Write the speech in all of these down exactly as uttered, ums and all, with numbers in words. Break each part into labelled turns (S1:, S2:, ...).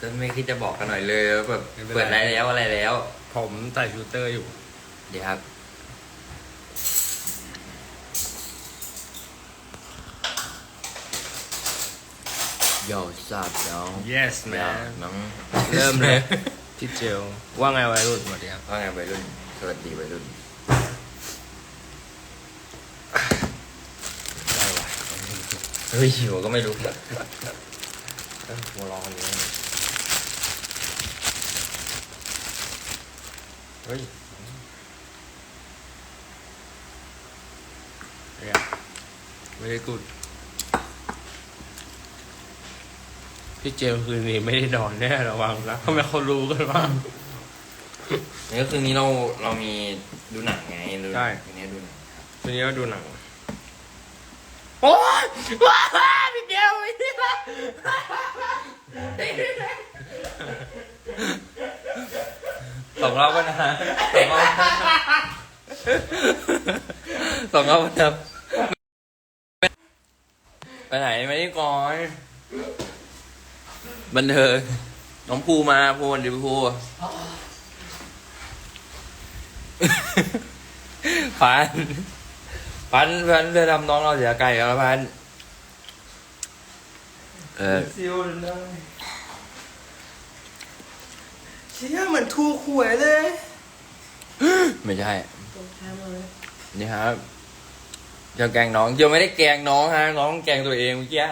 S1: จะไม่คิดจะบอกกันหน่อยเลยว่าแบบเปิดอะไรแล้วอะไรแล้ว
S2: ผมใส่ฟิลเตอร์อยู่
S1: เดี๋ยวครับโย่ทราบน้อง
S2: yes
S1: ยาว
S2: man
S1: น้อง
S2: เริ่มเลย ที่เจลว่าไงวัยรุ่นสวัสดีครับ
S1: ว่าไงวัยรุ่นสวัสดีวัยรุ่น
S2: ได้วะ
S1: เฮ้ยหิวก็ไม่รู้แบบหัวร้อนนี้เฮ้ย
S2: ไม่ได้กูดพี่เจลคืนนี้ไม่ได้นอนแน่ระวังนะทำไมเขารู้กันว่า
S1: นี่ก็คือนี้เราเรามีดูหนังไงดู
S2: ใช่
S1: คืนนี้ดูหนังครับ
S2: คืนนี้ก็ดูหนังโอ๊ยว้าวพี่เจลไม่ได้ละ
S1: สองรอบก็นะสองรอบสองรอบก็นะไปไหนไม่ได้ก่อนบันเทิงน้องภูมาภูวันดีภูพันพันพันจะทำน้องเราเสียไก่แล้วพันเออ
S2: ซิวเลยเชี่ยเหมือนถูกหวยเลย
S1: ไม่ใช่นี่ครับจะแกล้งน้องจะไม่ได้แกล้งน้องฮะน้องแกล้งตัวเองเมื่อกี้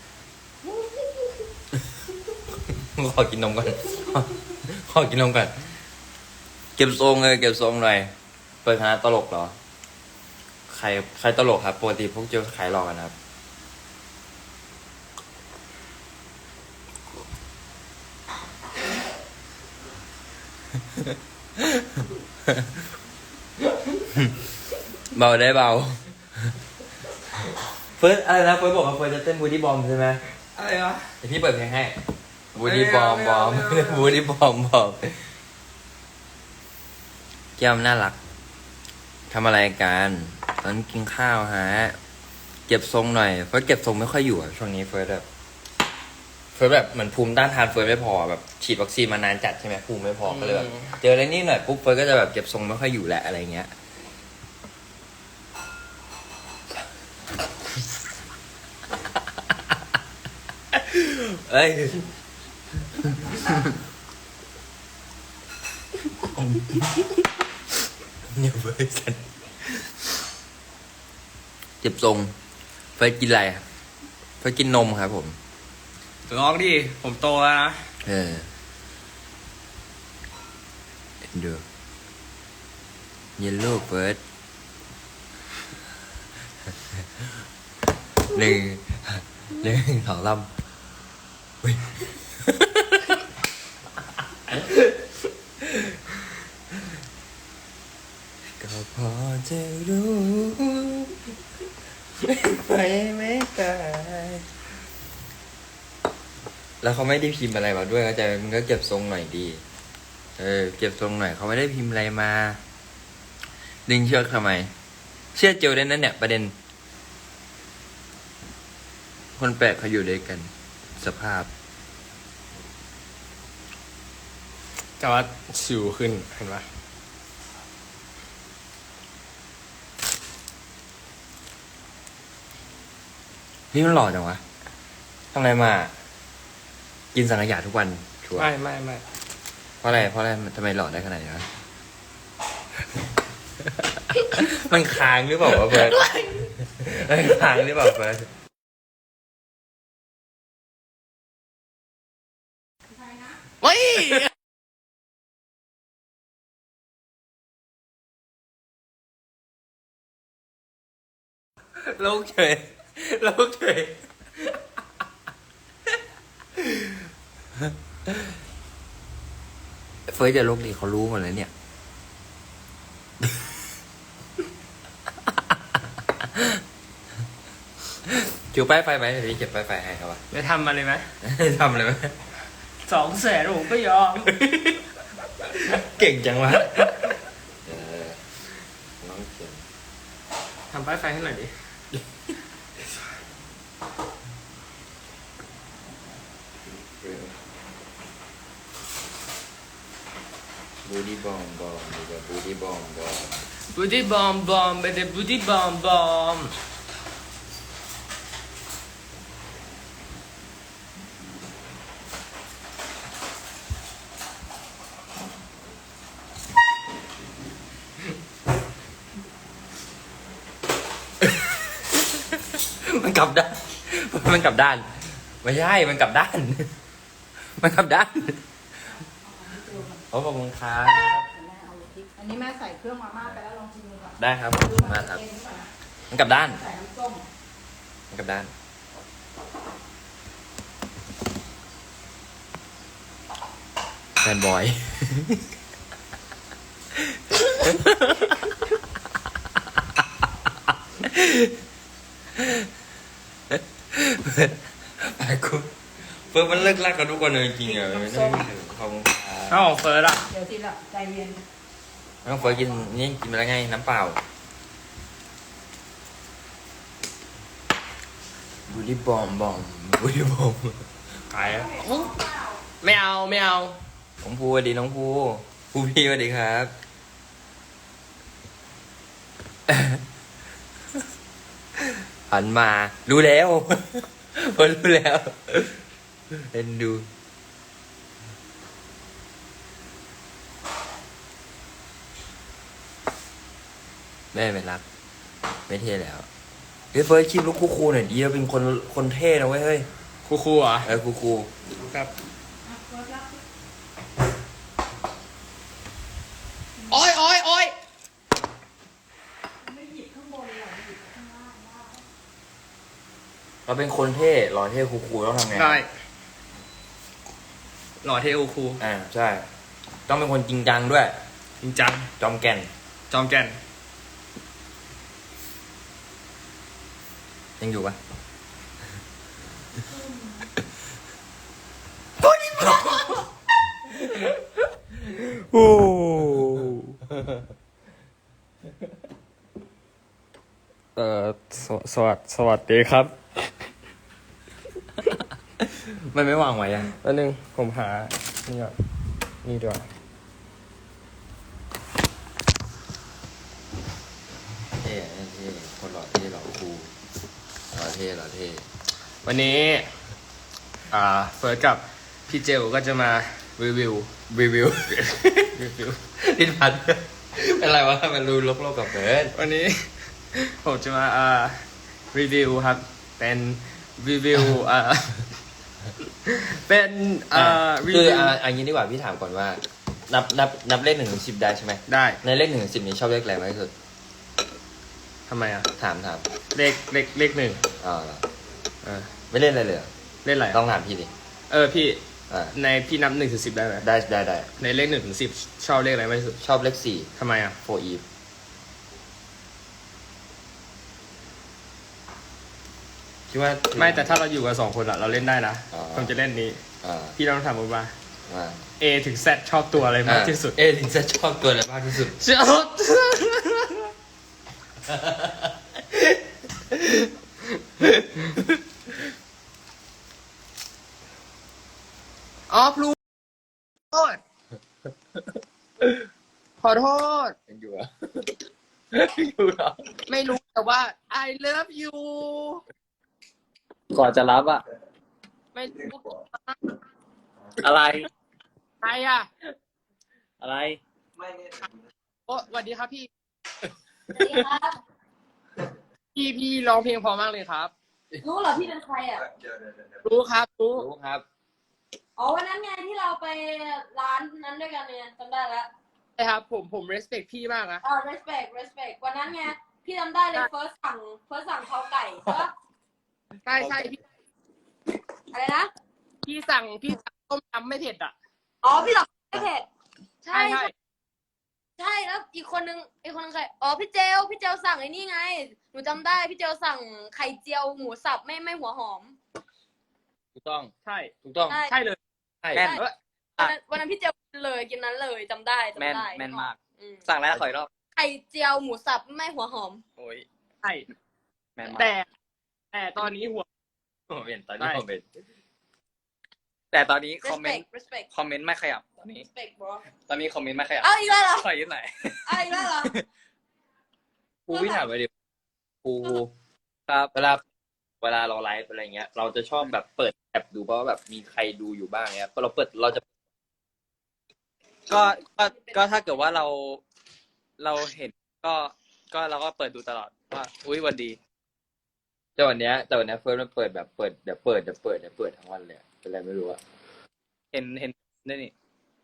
S1: ขอกินนมก่อนขอกินนมก่อนเก็บทรงเลยเก็บทรงหน่อยเปิดคณะตลกเหรอใครใครตลกครับปกติพวกเจอขายหลอกกันครับเบาได้เบาเฟิร์สอะไรนะเฟิร์สบอกว่าเฟิร์สจะเต้นบูดี้บอมใช่ไหม
S2: อะไรวะ
S1: เดี๋ยวพี่เปิดเพลงให้บูดี้บอม
S2: ไม่
S1: บอ
S2: เอา
S1: ม
S2: ไม่เอาไม่เอา
S1: บูดี้บอมบอมแก้มน่ารักทำอะไรกันตอนกินข้าวฮะเก็บทรงหน่อยเฟิร์สเก็บทรงไม่ค่อยอยู่อะช่วงนี้เฟิร์สแบบเฟิร์สแบบเหมือนภูมิต้านทานเฟิร์สไม่พอแบบฉีดวัคซีนมานานจัดใช่ไหมภูมิไม่พอก็เลยแบบเจออะไรนิดหน่อยปุ๊บเฟิร์สก็จะแบบเก็บทรงไม่ค่อยอยู่แหละอะไรเงี้ยเอ้ยเนี่ยเฟิร์สสันเจ็บทรงเฟิร์สกินอะไรอะเฟิร์สกินนมครับผม
S2: ร้องดิ ผมโตแล้วนะ
S1: เออเอ็นดูเยลโล่เฟิร์สหนึ่งหนึ่งสองลำเฮ้ยก็พอจะรู้ไปไม่ได้แล้วเขาไม่ได้พิมพ์อะไรมาด้วยเข้าใจไหมมึงก็เก็บทรงหน่อยดีเออเก็บทรงหน่อยเขาไม่ได้พิมพ์อะไรมาดึงเชือกทำไมเชื่อเจลได้นั่นเนี่ยประเด็นคนแปลกเขาอยู่ด้วยกันสภาพ
S2: แต่ว่าสิวขึ้นเห็นปะ
S1: นี่มันหล่อจังวะทำอะไรมา กินสังขยาทุกวันชัวร์
S2: ไม่ไม่ไม่
S1: เพราะอะไรเพราะอะไรทำไมหล่อได้ขนาดนี้วะ มันค้างหรือเปล่าวะเฟิร์สมันค้างหรือเปล่าเฟิร์ส
S2: เฮ้ย
S1: ลูกเฉยลูกเฉยเฟิร์สจะลกดีเขารู้หมดเลยเนี่ย จูป้ายไฟไหมเดี๋ยวพี่เก็บป้ายไฟให้เขาวะ
S2: ไปทำมาเลยไหม
S1: ทำเลยไหม
S2: สองแสนผมก็ยอม
S1: เก่งจังวะเออน้องเก่ง
S2: ทำป้ายไฟให้หน่อยดิ
S1: เบูดี้บอมบอมดีกว่าบูดี้บอมบอม
S2: บูดี้บอมบอมไปเดบูดี้บอมบอม
S1: มันกลับด้านมันกลับด้านไม่ใช่มันกลับด้าน มันกลับด้านโอ้ขอบคุณครับ
S3: อันนี้แม่ใส่เครื่องมาม่าไปแล้วลองชิมดูก่อน
S1: ได้ครับขอบคุณมากครับ มันกลับด้าน
S3: ใส่น้ำส้ม
S1: มันกลับด้านแฟนบอย ไปกูเฟิร์สมันเลิกลากกับทุกคนเลยจริงๆอ่ะไม่ได้ขอบคุณครับ
S2: เอ้าเฟิร์สอะ
S3: เดี๋ยวทีละใจเย็น
S1: น้องเฟิร์สกินนี่กินไปแล้วไงน้ำเปล่าบูดี้บอมบอมบูดี้บอม
S2: ขายอะไม่เอาไม่เอา
S1: น้องภูสวัสดีน้องภูภูพี่สวัสดีครับ หันมารู้แล้ว เฟิร์สรู้แล้วเอ็นดูแม่ไม่รัก ไม่เท่แล้วเฮ้ยเฟิร์สคลิปลูกคูคูหน่อยดีเราเป็นคนคนเท่นะเว้ยเฮ้ย
S2: ครูครูเหรอ
S1: เออคูคู
S2: ครับโอ้ยโอ้ยโอ้ย
S3: ไม่หยิบข้างบนหรอกหยิบข้างล่างได้
S1: เราเป็นคนเท่หล่อเท่คูคูต้องทำไง
S2: ได้หล่อเทครูครู
S1: อ่าใช่ ต้องเป็นคนจริงจังด้วย
S2: จริงจัง
S1: จอมแก่น
S2: จอมแก่น
S1: ยังอยู่ปะโอ้
S2: เอ่อสวสวัสสวัสดีครับ
S1: มันไม่วางไว้อ่ะ
S2: แป๊บนึงผมหา นี่ก่อนนี่ดีกว่า
S1: เท่เท่คนหล่อเท่หล่อคูหล่อเท่หล่อเท่
S2: วันนี้ อ่า เฟิร์สกับพี่เจลก็จะมารีวิว
S1: รีวิว
S2: รีวิว
S1: ลิ้นพันเป็นไรวะมันรู้ลกๆกับเฟิร์ส
S2: วันนี้ ผมจะมาอ่ารีวิวครับ เป็นรีวิวอ่า เป็นอ่ารี
S1: คือ
S2: วิว
S1: อ่าอันนี้ดีกว่าพี่ถามก่อนว่า นับนับนับเลขหนึ่งถึงสิบได้ใช่ไหม
S2: ได้
S1: ในเลขหนึ่งถึงสิบนี้ชอบเลขอะไรมากที่สุด
S2: ทำไมอ่ะ
S1: ถามถาม
S2: เลขเลขเลขหนึ่ง
S1: อ่า
S2: เออ
S1: ไม่เล่นอะไรเลยเหรอ
S2: เล่นอะไร
S1: ต้องถามพี่ดิ
S2: เออพี่
S1: อ่า
S2: ในพี่นับหนึ่งถึงสิบได้ไหม
S1: ได้ได้ได้
S2: ในเลขหนึ่งถึงสิบชอบเลขอะไรมากที่สุด
S1: ชอบเลขสี่
S2: ทำไมอ่ะ
S1: โฟอีฟคิดว่า
S2: ไม่แต่ถ้าเราอยู่กันสองคนอะเราเล่นได้นะ
S1: อ๋อ
S2: ผมจะเล่นนี้
S1: อ่า
S2: พี่ต้องถามผมว่า
S1: อ่า
S2: A ถึง Z ชอบตัวอะไรมากที่สุด
S1: เอถึงจะชอบตัวอะไรมากที่สุด
S2: ชอบอ๋อพลูโทษขอโทษ
S1: ยังอยู่อ่ะ อยู่เหรอ
S2: ไม่รู้แต่ว่า I love you
S4: ก่อนจะรับอะ
S2: ไม่รู้
S4: อะไร
S2: ใครอ่ะ
S4: อะไร
S2: โอ้สวัสดีครับพี่
S3: สวัสดีครับ
S2: พี่พี่ร้องเพลงเพอมากเลยครับ
S3: รู้เหรอพี่เป็นใครอ่ะ
S2: รู้ครับรู้
S1: รู้ครับ
S3: อ๋อวันนั้นไงที่เราไปร้านนั้นด้วยกันเนี่ยจำได้แล้ว
S2: ใช่ครับผมผม respect พี่มากนะ
S3: อ่า respect respect วันนั้นไงพี่จำได้เลย first สั่ง first สั่งข้าวไก่ใช่ปะ
S2: ใช่ใช่พี่
S3: อะไรนะ
S2: พี่สั่งพี่สั่งต้มยำไม่เผ็ดอ่ะ
S3: อ๋อพี่สั่งไม่เผ็ดใช่
S2: ใช่
S3: ใช่แล้วอีกคนนึงอีกคนนึงใครอ๋อพี่เจลพี่เจลสั่งไอ้นี่ไงหนูจำได้พี่เจลสั่งไข่เจียวหมูสับไม่ไม่หัวหอม
S1: ถูกต้อง
S2: ใช่
S1: ถูกต้อง
S3: ใช่
S2: ใช่เลย
S1: ใช่
S4: แม่น
S2: เอ้ย
S3: วันนั้นวันนั้นพี่เจลกินเลยกินนั้นเลยจำได้จำ
S4: แม่น
S3: ได้
S4: แม่นมาก
S3: อืม
S4: สั่งแล้วขออีกรอบ
S3: ไข่เจียวหมูสับไม่หัวหอม
S4: โอ้ย
S2: ใช่
S4: แม่นมาก
S2: แต่แต่ตอนนี้หัว
S1: ผมเห็นตอนนี้ผมเห็น
S4: แต่ตอนนี้คอมเมน
S3: respect
S4: ต์
S3: respect
S4: คอมเมนต์ไม่ขยับตอนนี้
S3: respect bro
S4: ตอนนี้คอมเมนต์ไม่ขยับ
S3: เอาอีกแล้วเหรอ
S4: ขอยืดไหนอย
S3: เอาอีกแล้วเหรอ
S1: ภูพี่ถามไปดิภูภู
S4: ครับ
S1: เวลาเวลาเราไลฟ์อะไรเงี้ย เราจะชอบแบบเปิดแอปดูเพราะว่าแบบมีใครดูอยู่บ้างเงี้ยพอเราเปิดเราจะ
S4: ก็ก็ก็ถ้าเกิดว่าเราเราเห็นก็ก็เราก็เปิดดูตลอดว่าอุ้ยวันดี
S1: แต่วันเนี้ยแต่วันเนี้ยเฟิร์สมันเปิดแบบเปิดเดี๋ยวเปิดเดี๋ยวเปิดเดี๋ยวเปิดทั้งวันเลยอะเป็นอะไรไม่รู้อะ
S4: เห็นเห็นได้นี่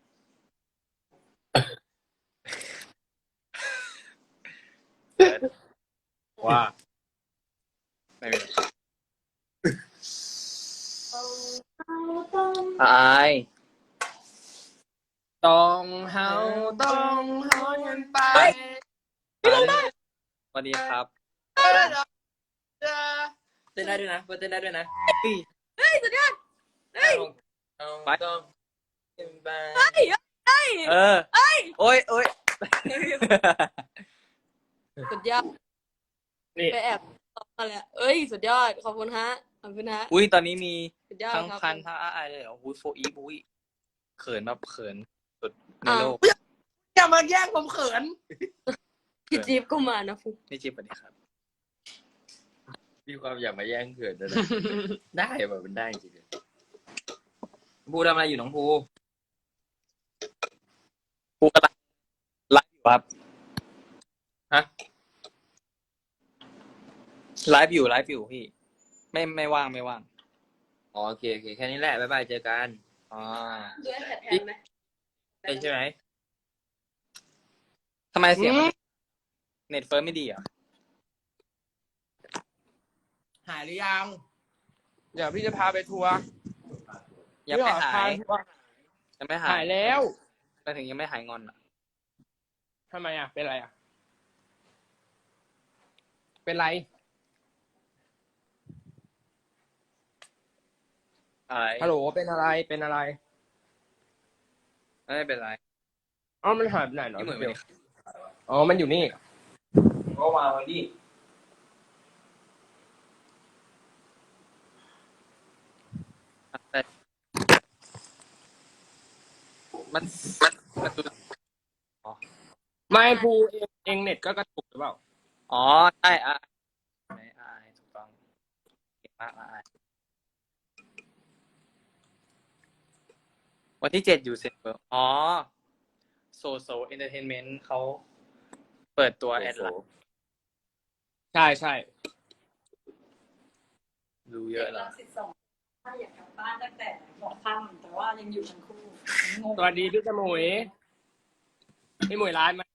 S2: ว่า
S4: ไม่เป็นไร
S3: เอาเอาต้อง
S4: อาย
S2: ต้องเฮาต้องเฮากันไป
S4: สวัสดีครับ
S1: เต้นได้ด้วยนะเฟิร์สเต้นได้ด้วยนะ
S3: เฮ้ยสุดยอดเฮ้ย
S1: เอา
S4: ไป
S1: ต้องเป็นไป
S3: เฮ้ยเฮ้ย
S4: เออโอ้ยโอ้ย
S3: สุดยอด
S2: นี่
S3: ไปแอบตอบมาแล้วเอ้ยสุดยอดขอบคุณฮะขอบคุณฮะ
S4: อุ้ยตอนนี้มี
S3: สุดยอด
S4: ทั้ง
S3: ครับ
S4: พันทั้งอายเลยเหรออุ้ยโฟอีฟอุ้ยเขินแบบเขินสุดในโลก
S2: อย่ามาแย่งผมเขิน
S3: พี่จี๊บก็มานะฟุ
S4: นี่จิ๊บสวัสดีครับ
S1: มีความอยากมาแย่งเกิดด้วยนะ ได้แบบมันได้จริงๆภูทำอะไรอยู่น้องภู
S4: กูกำลังไลฟ์อยู่ครับ
S1: ฮะ
S4: ไลฟ์อยู่ไลฟ์อยู่พี่ ไม่ไม่ว่างไม่ว่าง
S1: อ๋อโอเคโอเคแค่นี้แหละบ๊ายบายเจอกัน
S4: อ๋อ
S3: ด้วยแผนแทนไหม
S1: ใช่ใช่ไหม
S4: ทำไมเสียงมันเน็ตเฟิร์มไม่ดีเหรอ่ะ
S2: หายหรือยัง เดี๋ยวพี่จะพาไปทัวร์
S4: ยังไม่หาย
S2: พี่ขอพทัวร์
S4: ยังไม่หาย
S2: หายแล้ว
S4: ไปถึงยังไม่หายงอนอ่ะ
S2: ทำไมอ่ะ เป็นไรอ่ะ เป็นไร
S4: อะไร
S2: ฮัลโหล เป็นอะไร เป็นอะไร
S4: ไม่เป็นไร
S2: อ๋อ มันหายไปไหนเนาะ
S4: พี่เหมือน
S2: เดี๋
S4: ไม่
S2: ยว
S4: ได้
S2: อ๋อ มันอยู่นี่
S1: ก็มาวันนี้
S4: แต่มันมันมันดู
S2: ไม่ภูเองเองเน็ตก็กระตุกหรือเปล่า
S4: อ๋อใช่อ่ะไม่อ่ะถูกต้องเก่งมากอ่ะวันที่เจ็ดอยู่เซ็นเบอร์อ๋อโซโซเอนเตอร์เทนเมนต์เขาเปิดตัวแอดไลน์
S2: ใช่ใช่
S4: ดูเยอะแล้ว
S5: สิบสองถ้าอยากกลับบ้านตั้งแต่หัวค่ำแต่ว่ายังอยู่ทั้งคู่งง
S2: สวัสดีพี่จมุยพี่หมวยร้านไหม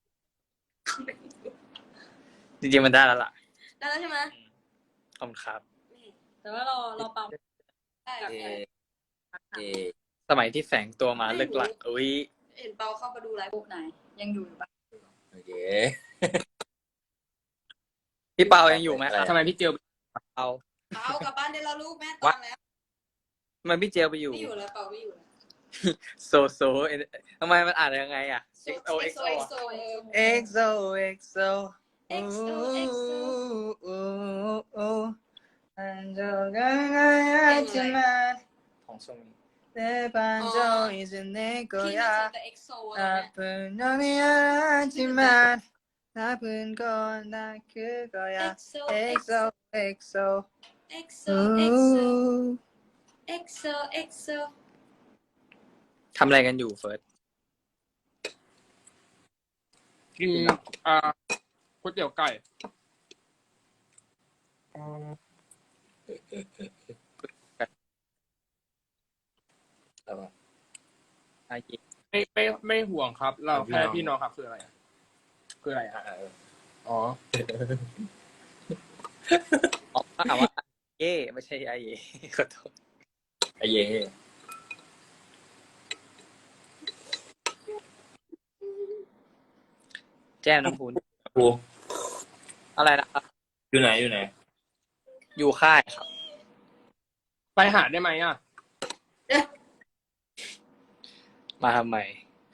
S4: จริงๆมันได้แล้วล่ะ
S3: ได้แล้วใช่ไหม
S4: ขอบคุณครับ
S5: แต่ว่าเราเราปั๊ม
S3: ได้
S1: เอเอ
S4: สมัยที่แฝงตัวมาเลิกหลักอุ้ย
S3: เห็นเปาเข้ามาดูไลฟ์
S5: ปุ๊บไหน ยังอยู่อยู่ปะ
S1: โอเค
S4: พี่เปายังอยู่ไหมครับ
S2: ทำไมพี่เจียว
S4: เอา
S3: เปากลับบ้านได้แล้วลูกแม่ตอนแล้ว
S4: ทำไมพี่เจลไปอยู่
S3: ไม่อยู่แล้วเปาไม่อยู่แล้ว
S4: โซโซทำไมมันอ่านยังไงอ่ะ X O X O
S3: X O
S4: X O X O
S3: X O X O
S4: อันเจอกันไงจะมาของทรงนี้내 반전 이제 내
S3: พี่
S4: 거야
S3: ไม่เจอแต่ X O แล้ว
S4: 나쁜 놈이 아니지만 나쁜 건 나 그거야
S3: เนี่ย
S4: X O X O
S3: X O X O X O X O
S4: ทำอะไรกันอยู่เฟิร์ส
S2: กินอ่าก๋วยเตี๋ยวไก่
S4: อายิ
S2: ไม่ไม่ไม่ห่วงครับ เราแค่พี่น้องครับคืออะไรอะคืออะไรอ่ะอ๋อ
S4: อ๋อถามว่าเย่ไม่ใช่ไอเย่ขอโทษ
S1: ไอเย่
S4: แจ้งน้ำพูน
S1: ภู
S4: อะไรนะครับ
S1: อยู่ไหนอยู่ไหน
S4: อยู่ค่ายครับ
S2: ไปหาได้ไหมอ่ะ
S4: มาทำไม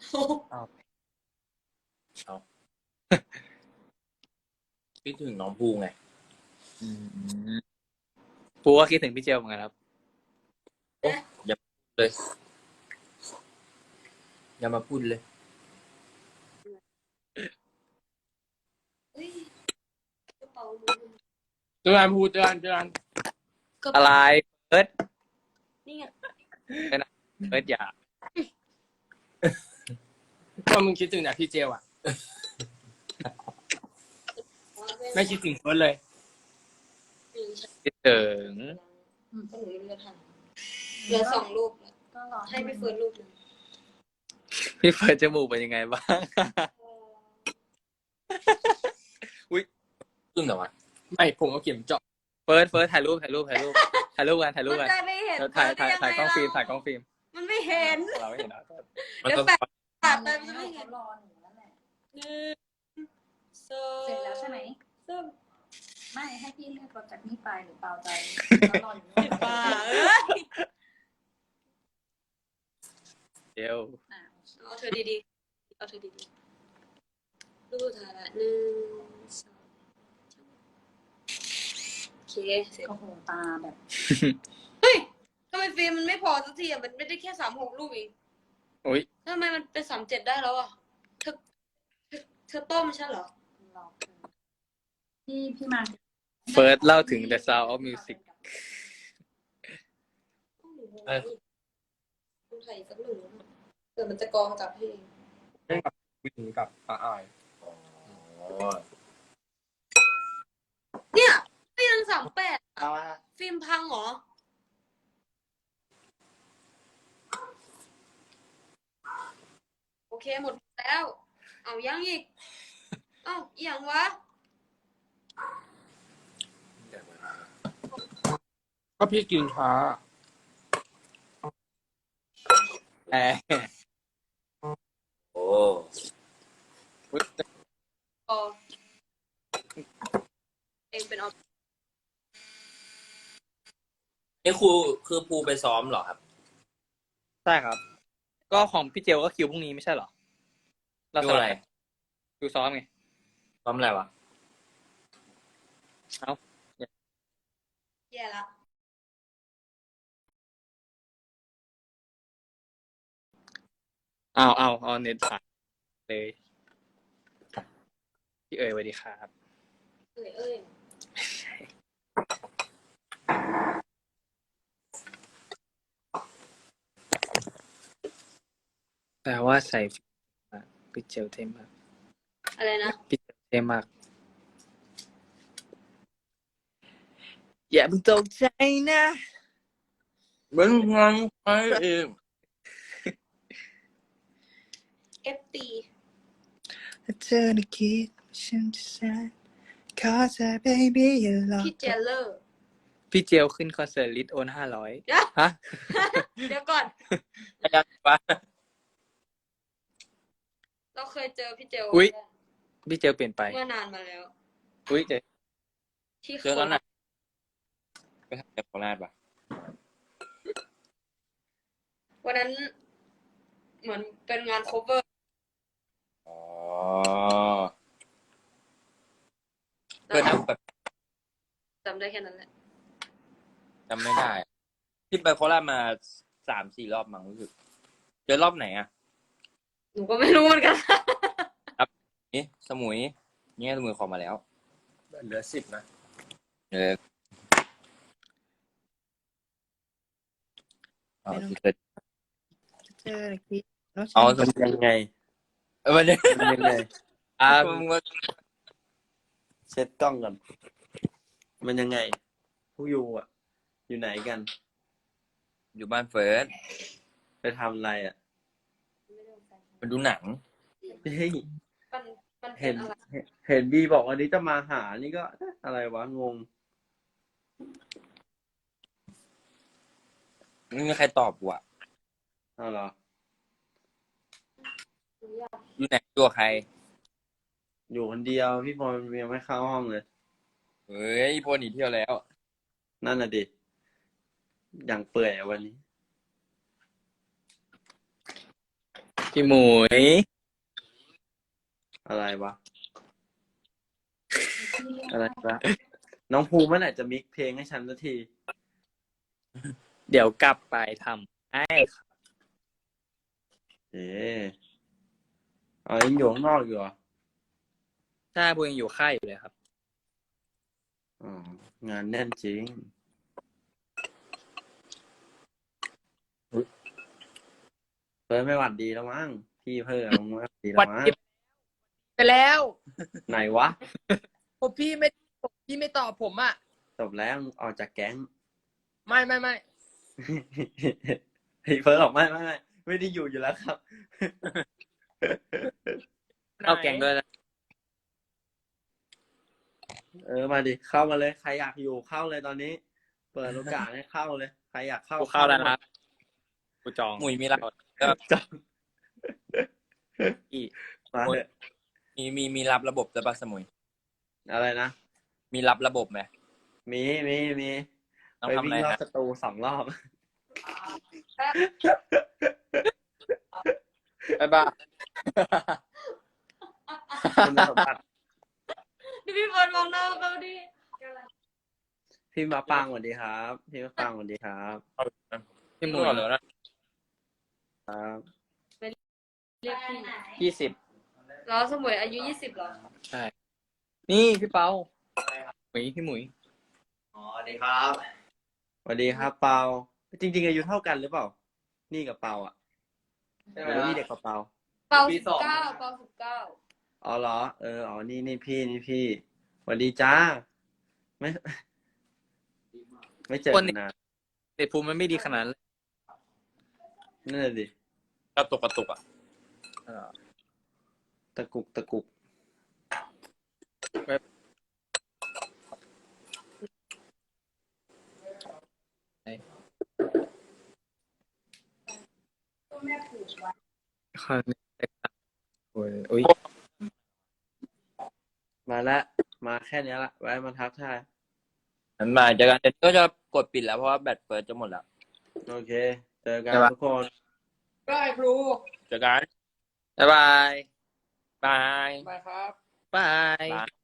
S1: คิดถึงน้องภูไง
S4: ปูก็คิดถึงพี่เจลเหมือนกันครับ
S1: อย่า
S2: เลยอย่ามาพูดเลย
S3: เฮ้ยกระเป๋าหนู
S2: เตือนพูดเตือนเตือน
S3: กระ
S4: อะไร
S3: เป๋า
S4: เฟิร์ส
S3: นี่ไง
S4: เฟิร์สอย่า
S2: ก็มึงคิดถึงแต่พี่เจลอะไม่คิดถึงเฟิร์สเลย
S4: คิดถึง
S3: ก็หนูไม่รู้จะทำเหลือสองรูปแล้ว
S5: ก็รอ
S3: ให้พี่เฟิร์นรูปหนึง
S4: พี่เฟิร์สจมูกเป็นยังไงบ้าง
S2: ซึ่งแต่ว่าไม่ผมเอาเข็มเจาะ
S4: เฟิร์สเฟิร์สถ่ายรูปถ่ายรูปถ่ายรูปถ่ายรูปกันถ่ายรูป
S3: มั
S4: กัน น
S3: จะไม่เห็น
S4: ถ่ายถ่าย
S3: เฟิ
S4: ถ่าย
S3: ร์น
S4: กล้อง
S3: ได้
S4: ฟิล์ม
S3: ยังไง
S4: ถ่ายกล้องฟิล์ม
S3: มันไม่เห็น
S4: เราไม่เห็นนะ
S2: มัน
S3: เดี๋ยว
S2: ต้อง
S3: แปะตัดไป
S5: เขา
S3: มันจะไม่เห็น
S5: รอหนูนั่นแหละ
S3: หนึ่งสอง
S5: เสร็จแล้วใช่ไหม
S3: สาม
S5: ไม่ให้พี่เลือกรถจากนี่ไปหรือเปล่าใจแล้วรออยู่นู่น
S3: บ้าเอ้ย
S4: เดี๋ยว
S5: อ่ะ
S3: เอาเธอดีๆเอาเธอดีๆรูปสุดท้ายละหนึ่งสองโอเคเสร็จ
S5: โอ้โหตาแบบ
S3: เฮ้ยทำไมฟิล์มมันไม่พอสักทีอ่ะมันไม่ได้แค่สามหกรูปเอง
S4: อุ้ย
S3: ทำไมมันเป็นสามเจ็ดได้แล้วอ่ะเธอเธอเธอต้มฉันเหรอ
S5: รอพี่พี่มา
S4: เฟิร์สเล่าถึง The Sound of Music
S3: คุณไข่สักหนึ่งเดี๋ยวมันจะกองกับเพลง
S2: วิ่งกับป้าอาย
S3: เนี่ยฟิล์มสามแปด
S4: เอาละ
S3: ฟิล์มพังเหรอ โอเคหมดแล้ว เอายังอีก เอ้าอีหยังวะ
S2: ก็พี่กินช้า
S4: แอร์
S1: โอ้
S4: อุ๊ย
S3: พอเองเป็นออฟ
S1: นี่ครูคือภูไปซ้อมเหรอครับ
S4: ใช่ครับ ก็ของพี่เจลก็คิวพรุ่งนี้ไม่ใช่เหรอ เรา
S1: ดู
S4: ส
S1: อะไร
S4: ลับคิวซ้อมไง
S1: ซ้อมอะไรวะ
S3: แย่ละ
S4: อ้าวอ้าวเอาเน็ตสายเลย พี่เอ๋ยสวัสดีครับ
S3: เอ้ยเอ้ย
S4: แปลว่าใส่พี่เจลเท่มาก
S3: อะไรนะ
S4: พี่เจลเท่มาก อย่าเพิ่งตกใจนะ
S1: เหมือนงานใครเอง
S3: เอฟตี
S4: ถ้าเธอได้คิดฉันจะแสนขอเธอ baby อย่าหลอก
S3: พี่เจเลอร์
S4: พี่เจลขึ้นคอนเสิร์ตลิทโอนห้าร้อย
S3: เดี๋ยว
S4: ฮะ
S3: เดี๋ยวก่อน
S1: ยังปะ
S3: เราเคยเจอพี่เจล
S4: อุ๊ย พี่เจลเปลี่ยนไป
S3: เมื่อนานมาแล้ว
S4: อุ้ยเจ
S3: ที่
S1: เจอตอนไหนไปทำจากโคราชปะ
S3: วันนั้น เหมือนเป็นงาน cover
S1: อ๋อเพื่อนแบบ
S3: จำได้แค่นั้นแหละ
S1: จำไม่ได้ที่ไปโคราชมาสามสี่รอบมั้งรู้สึกเจอรอบไหนอ่ะ
S3: หนูก็ไม่รู้เหมือนกัน
S1: นี่สมุยเนี่ยสมุยขอมาแล้ว
S2: เหลือสิบนะ
S1: เออเอาที่เกิด
S4: เจอได้คิด
S1: เอาส
S6: มัน
S1: มุย
S6: ยังไง
S1: เออมันเนี่ย
S6: มันยังไง
S4: อ่า
S1: มึงว่า
S6: เช็ดกล้องก่อน มันยังไง พวกยูอ่ะ อยู่ไหนกัน
S1: อยู่บ้านเฟิร์ส
S6: ไปทำอะไรอ่ะ
S1: มาดูหนัง
S6: เฮ้ย
S3: มันมันเป็
S6: เห็
S3: น
S6: น
S3: อะไร
S6: เห็นบีบอกวันนี้จะมาหา นี่ก็อะไรวะ งง
S1: ไม่มีใครตอบกูอ่ะ
S6: เอาเหรอ
S1: อยู่ไหนตัวใคร
S6: อยู่คนเดียว พี่พลยังไม่เข้าห้องเลย
S1: เฮ้ยพวกหนีเที่ยวแล้ว
S6: นั่นน่ะดิ อย่างเปื่อยอะวันนี้
S4: พี่หมุย
S6: อะไรวะ อะไรวะ น้องภูมิเมื่อไหร่จะมิกเพลงให้ฉันสักที
S4: เดี๋ยวกลับไปทไอ้
S6: เอ๊ะเอายังอยู่ข้างนอกอยู่เหรอ
S4: ใช่บูยังอยู่ค่ายอยู่เลยครับ
S6: อ๋องานแน่นจริงเฟิร์สไม่หวัดดีแล้วมั้งพี่เพิ่มไม่หวัดดีแล้วมั้ง
S2: ไปแล้ว
S6: ไหนวะ
S2: ผมพี่ไม่พี่ไม่ตอบผมอ่ะ
S6: จบแล้วออกจากแก๊ง
S2: ไม่ไม่ไม่
S6: เฮ้ยเฟิร์สบอกไม่ไม่ไม่ไม่ได้อยู่อยู่แล้วครับ
S4: เข้าแกงด้วยนะ
S6: เออมาดิเข้ามาเลยใครอยากอยู่เข้าเลยตอนนี้ เปิดโอกาสให้เข้าเลยใครอยากเข้า
S4: กูเข้าแล้วนะครับกูจอง
S1: หมุยมีรับ
S6: จัง
S4: อี
S6: มาเถอะ
S1: มีมีมีรับระบบจะปะสมุย
S6: อะไรนะ
S1: มีรับระบบไหม
S6: มีมีมี
S1: ต้อง
S6: ไป
S1: ทำ
S6: วิ่
S1: อะไร
S6: งรอบ
S1: ฮะ
S6: สตูสองรอบ
S1: บ๊ายบาย
S6: คุณสมบัติ
S3: พี่พี่เฟิร์นมองหน้าเขาดิ
S6: พี่มาปังสวัสดีครับ พี่มาปังสวัสดีครับ
S4: พี่หมุย
S1: เหรอนะครับ
S3: เรียกพี่
S4: ยี่สิบ
S3: เราสมุยอายุยี่สิบเหรอ
S4: ใช่ นี่พี่เปาหมุยพี่หมุย
S6: อ๋อสวัสดีครับสวัสดีครับเปาจริง ๆ อายุเท่ากันหรือเปล่า นี่กับเปาอ่ะหรือว่านี่เด็กกว่าเปา
S3: เปาสิบเก้าเปาสิบเก้า
S6: อ๋อเหรอ เออ อ๋อ นี่นี่พี่ นี่พี่สวัสดีจ้า ไม่ ไม่เจอกันนาน
S4: เด็กภูมิมันไม่ดีขนาดนั้นเลย
S6: นั่นแหละดิ
S1: กระตุกกระตุกอ่ะ
S6: ตะกุกตะกุก
S4: โอ้ยโอ้ย
S6: มาแล้วมาแค่เนี้ยละไว้มาทักทาย
S1: มันมาเจอกันเดี๋ยวก็จะกดปิดแล้วเพราะว่าแบตเฟิร์สจะหมดแล้ว
S6: โอเค เจอกันทุกคน
S2: ได้ครู
S1: เจอกัน
S4: บ๊ายบาย
S1: บาย
S2: ไปครับ
S4: บาย
S1: บาย